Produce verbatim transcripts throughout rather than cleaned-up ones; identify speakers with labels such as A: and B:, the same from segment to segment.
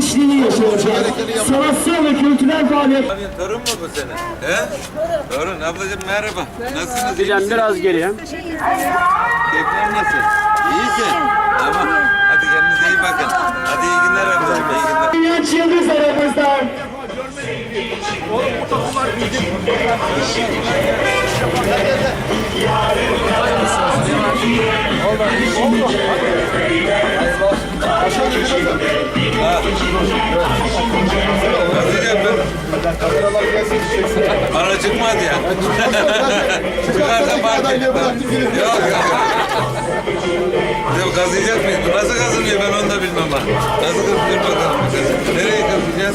A: gençliğini yaşayacak. Sanatsal ve kültürel faaliyet.
B: Torun mu bu sene? He? Torun. Ablacığım merhaba. Nasılsınız?
C: Gideceğim biraz geriye.
B: Keyifler nasıl? İyisin. Tamam. Hadi kendinize iyi bakın. Hadi iyi günler ablacığım. İyi günler.
A: Genç Yıldız aramızdan.
B: Kazıyacağım ben. Bana çıkmadı ya. Çıkarsa fark yok yok. Yok kazıyacak mıyız? Bu nasıl kazınıyor ben onu da bilmem ha. Nasıl kazınıyor bakalım. Nereye kazıyacağız?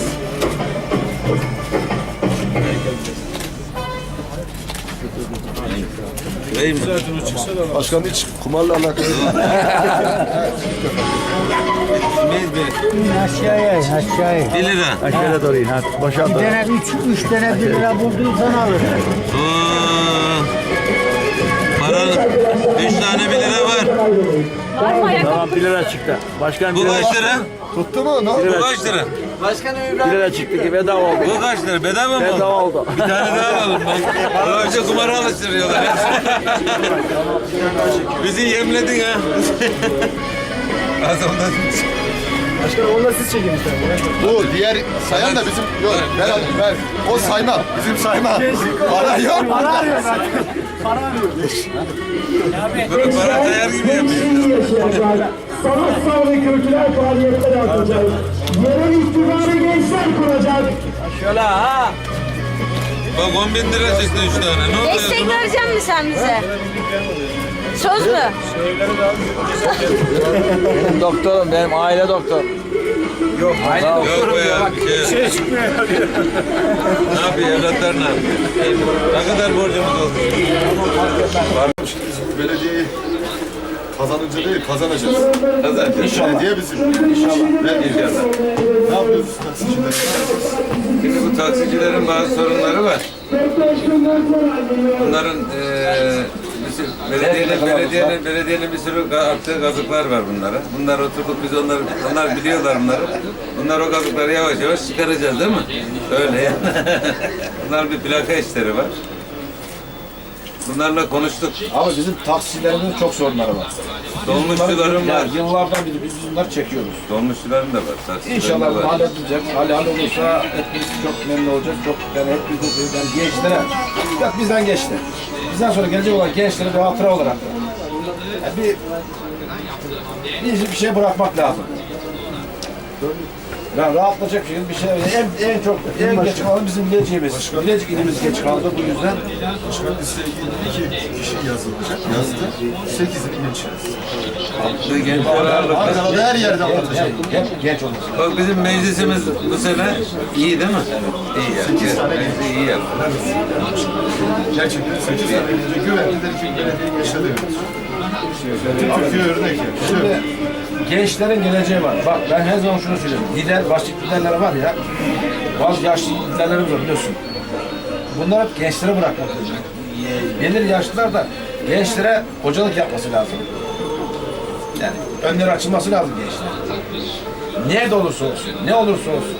B: Bey mi?
D: Başkan hiç kumarla alakalı.
B: Meyiz Bey.
E: Aşağıya, aşağıya.
B: Bir lira.
D: Aşağıya doğru in. Hadi başa
E: Bir tane üç, üç tane bir lira bulduysan alır.
B: Oo. Paranın üç tane bir lira var.
C: Tamam bir lira çıktı. Başkan bir
B: Bu
C: lira
B: kaç lira?
D: Tuttu mu? Ne oldu?
B: Bu kaç lira?
C: Bir lira çıktı ki bedava oldu.
B: Bu kaç lira? Bedava mı?
C: Bedava oldu.
B: Bir tane daha alalım bak. Bu önce kumara alıştırıyorlar. Bizi yemledin ha. Az ondan.
C: Başkan onu da siz çekin istedim.
D: Bu diğer sayan da bizim yok. Ben alayım ben. O sayma. Bizim sayma. Para yok.
C: Para arıyor zaten. Para arıyor.
B: Böyle para kayar gibi yapıyor.
A: Gençliğini yaşayacak. Sanatsal ve kültürel faaliyetler yapacak. Yerel iktidarı gençler kuracak.
C: Şöyle ha.
B: Bak on bin lira çıktı üç tane. Ne oluyor?
F: Destek verecek misin sen bize? Söz mü?
C: Benim doktorum, benim aile doktor. Yok, aile
B: Yok be ya. Bir şey. Ne yapıyor? Evlatlar ne yapıyor? Ne kadar borcumuz oldu?
D: Belediyeyi kazanınca değil kazanacağız.
B: Kazanacağız.
D: Belediye bizim. İnşallah.
B: Ne inşallah.
D: Ne yapıyoruz taksiciler?
B: Şimdi bu taksicilerin bazı sorunları var. Bunların eee bir sürü, belediyenin, belediyenin, belediyenin bir sürü attığı kazıklar var bunlara. Bunlar oturduk biz onları, onlar biliyorlar bunları. Bunlar o kazıkları yavaş yavaş çıkaracağız değil mi? Öyle yani. Bunlar bir plaka işleri var. Bunlarla konuştuk.
G: Ama bizim taksicilerimizin çok sorunları var.
B: Dolmuşçuların var.
G: Yani yıllardan beri biz bunları çekiyoruz.
B: Dolmuşçuların da var. taksilerin de
G: İnşallah bu
B: var.
G: halledilecek. Hal hal olursa hepimiz çok memnun olacağız. Çok yani hepimiz de yani gençlere, yok bizden geçti. Bizden sonra gelecek olan gençlere bir hatıra olarak da. Yani bir, bir, bir şey bırakmak lazım. Yani rahatlayacak şekilde bir şey. En, en çok en geç kalan bizim Bilecik'imiz. Bilecik ilimiz geç kaldı bu yüzden.
D: Başkan listeye girdi. iki kişi yazılacak. Yazdı. Sekizini genç yazdı.
B: Gençler ağırlıklı.
D: Ankara'da her yerde anlatacak.
G: Hep genç olması.
B: Bak bizim meclisimiz bu sene iyi değil mi? İyi yani.
D: Sekiz tane
B: Meclisi iyi yaptı.
D: Gerçekten sekiz tane gelince güvendiler ki belediye gençler de Türkiye örnek yani.
G: Şimdi gençlerin geleceği var. Bak ben her zaman şunu söylüyorum. Lider, başlık liderler var ya. Bazı yaşlı liderlerimiz var biliyorsun. Bunlar hep gençlere bırakmak lazım. Gelir yaşlılar da gençlere hocalık yapması lazım. Yani önleri açılması lazım gençlere. Nerede olursa olsun, ne olursa olsun.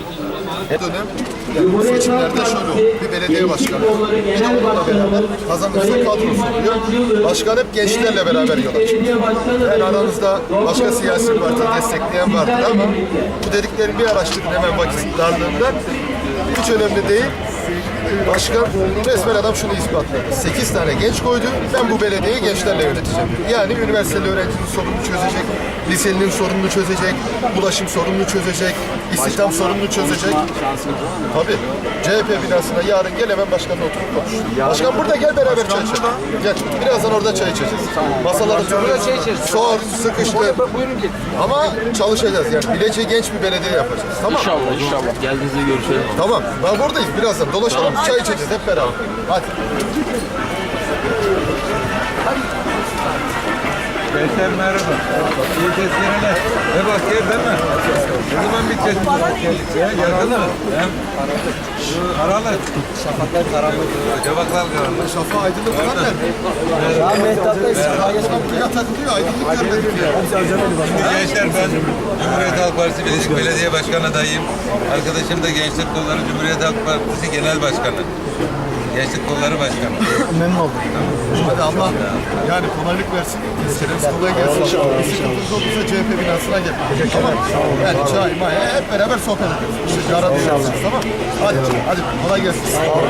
D: Dönem seçimlerde şöyle oldu. Bir belediye başkanı. Yine onunla beraber kazanırsa kadrosu oluyor. Başkan hep gençlerle beraber yola çıkıyor. Yani aranızda başka siyasi parti destekleyen vardır ama bu dediklerimi bir araştırın hemen vakit darlığında. Hiç önemli değil. Başkan resmen adam şunu ispatladı. Sekiz tane genç koydu. Ben bu belediyeyi gençlerle yöneteceğim. Yani üniversiteli öğrencinin sorununu çözecek, liselinin sorununu çözecek, ulaşım sorununu çözecek, istihdam sorununu çözecek. Tabii. C H P binasına yarın gel hemen başkanla oturup konuş. Başkan burada gel beraber çay içelim. Gel. Birazdan orada çay içeceğiz. Masaları turlayacağız. Sor, sıkıştır. Ama çalışacağız yani. Bilecik'i genç bir belediye yapacağız. Tamam.
C: İnşallah inşallah. Geldiğinizde görüşelim.
D: Tamam. Ben buradayız. Birazdan dolaşalım. Çay içeceğiz hep beraber. Hadi.
B: Gençler merhaba. İyi tezkereler. Ve bak gel değil mi? Ne zaman bitecek? Ya yakın mı? Hem şu Aralı. Şafaklar karanlık. Şafaklar karanlık.
D: Şafa aydınlık falan da.
E: Ya Mehtap Bey
D: Arkadaşlar buraya takılıyor. Aydınlık görmedik ya.
B: Şimdi gençler ben Cumhuriyet Halk Partisi Bilecik Belediye Başkanı adayım. Arkadaşım da Gençlik Kolları Cumhuriyet Halk Partisi Genel Başkanı. Gençlik Kolları Başkanı.
E: memnun oldum.
D: Hadi Allah yani kolaylık versin. Tezkeremiz kolay gelsin. Bir sıkıntınız olursa C H P binasına gelin. Tamam. Yani çay, maya hep beraber sohbet ediyoruz. İşte cara dışarısınız tamam. Hadi hadi kolay gelsin.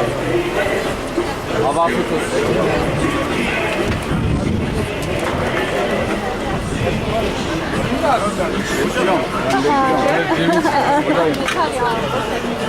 C: Hava afiyet olsun.